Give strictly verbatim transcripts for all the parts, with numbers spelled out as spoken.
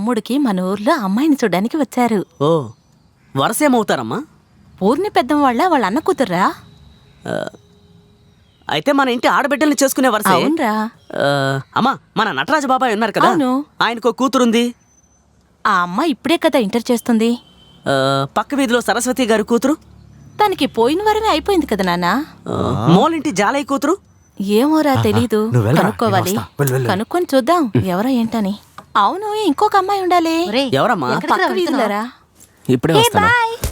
తమ్ముడికి మన ఊర్లో అమ్మాయిని చూడడానికి వచ్చారు. ఓ వరసేమవుతారమ్మా? పూర్ణి పెద్దం వాళ్ళ వాళ్ళ అన్న కూతుర్రా. అయితే మన ఇంటి ఆడబిడ్డల్ని చేసుకునే వరసే. అవునరా. అమ్మా, మన నటరాజ బాబాయ్ ఉన్నారు కదా, ఆయనకో కూతురుంది. ఆ అమ్మాయి ఇప్పుడే కదా ఇంటర్ చేస్తుంది. పక్క వీధిలో సరస్వతి గారి కూతురు, తనకి పోయిన వారమే అయిపోయింది కదా నాన్న. మోలింటి జాలయ్య కూతురు ఏమోరా తెలీదు, కనుక్కోవాలి. కనుక్కొని చూద్దాం ఎవరో ఏంటని. అవును, ఇంకొక అమ్మాయి ఉండాలి. ఎవరమ్మా? పక్క వీధిలోరా. ఇప్పుడే వస్తాను.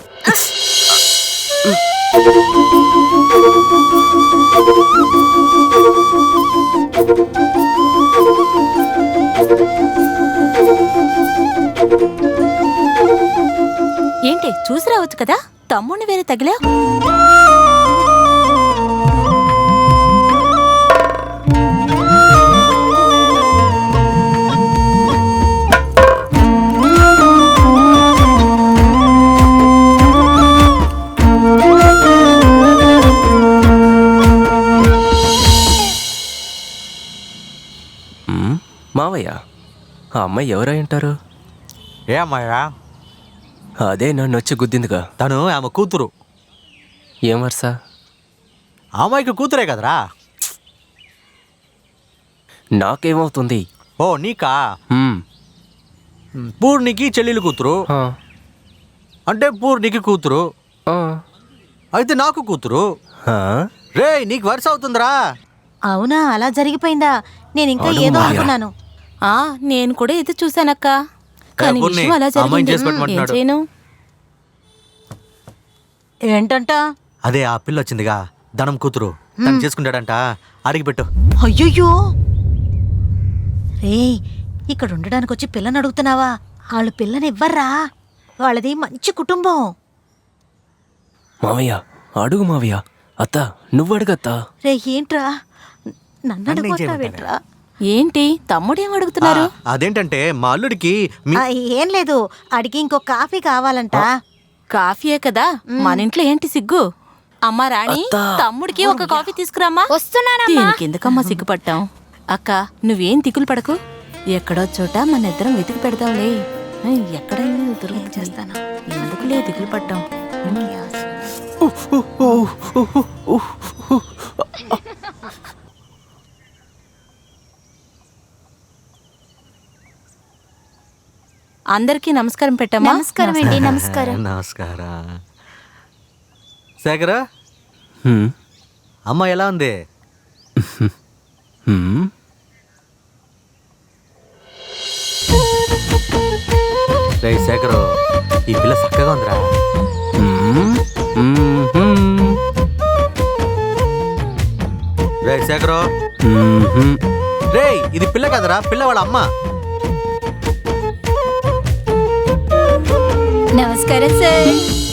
ఏంటి చూసి రావచ్చు కదా, తమ్ముడిని వేరే తగిలా. మావయ్య, ఆ అమ్మాయి ఎవరై ఉంటారు? ఏ అమ్మాయా? అదే నన్ను వచ్చి గుద్దిందిగా. తను ఆమె కూతురు. ఏం వరుస? అమ్మాయికి కూతురే కదరా. నాకేమవుతుంది? ఓ నీకా? పూర్ణికి చెల్లెలు కూతురు అంటే పూర్ణికి కూతురు అయితే నాకు కూతురు. రే, నీకు వరుస అవుతుందిరా. అవునా, అలా జరిగిపోయిందా? నేను ఇంకా ఏదో అనుకున్నాను. ఆ నేను కూడా ఇది చూసానక్క, కానీ విషయం అలా జరిగింది. ఏం చేయను? ఏంటంట? అదే ఆ పిల్ల వచ్చిందిగా, ధనం కూతురు, తను చేసుకుంటాడంట. అడిగిపెట్టు. అయ్యయ్యో రే, ఇక్కడ ఉండడానికి వచ్చి పిల్లని అడుగుతున్నావా? వాళ్ళు పిల్లని ఇవ్వర్రా, వాళ్ళది మంచి కుటుంబం. మావయ్య అడుగు. మావయ్య, అత్త నువ్వు అడుగత్తా. రే ఏంట్రా నన్ను అడుగుతావేంట్రా? ఏంటి తమ్ముడేం అడుగుతున్నారు? అదేంటంటే మా అల్లుడికి ఏం లేదు, అడిగి ఇంకో కాఫీ కావాలంట. కాఫీయే కదా, మన ఇంట్లో ఏంటి సిగ్గు? అమ్మా రాణి, తమ్ముడికి ఒక కాఫీ తీసుకురామ్మా. దీనికి ఎందుకమ్మా సిగ్గుపట్టాం? అక్క నువ్వేం దిగులు పడకు, ఎక్కడో చోట మన ఇద్దరం వెతికి పెడతాంలే. ఎక్కడైనా దొరికి చేస్తాను, ఎందుకులే దిగులు పట్టాం. అందరికీ నమస్కారం పెట్టమ్మా. నమస్కారం అండి. నమస్కారం. నమస్కారం. శేఖర్, అమ్మ ఎలా ఉంది? రే శేఖరు, ఈ పిల్ల చక్కగా ఉందిరా. రే శేఖరు, రే ఇది పిల్ల కదరా, పిల్ల వాళ్ళ అమ్మ. నమస్కారం సార్.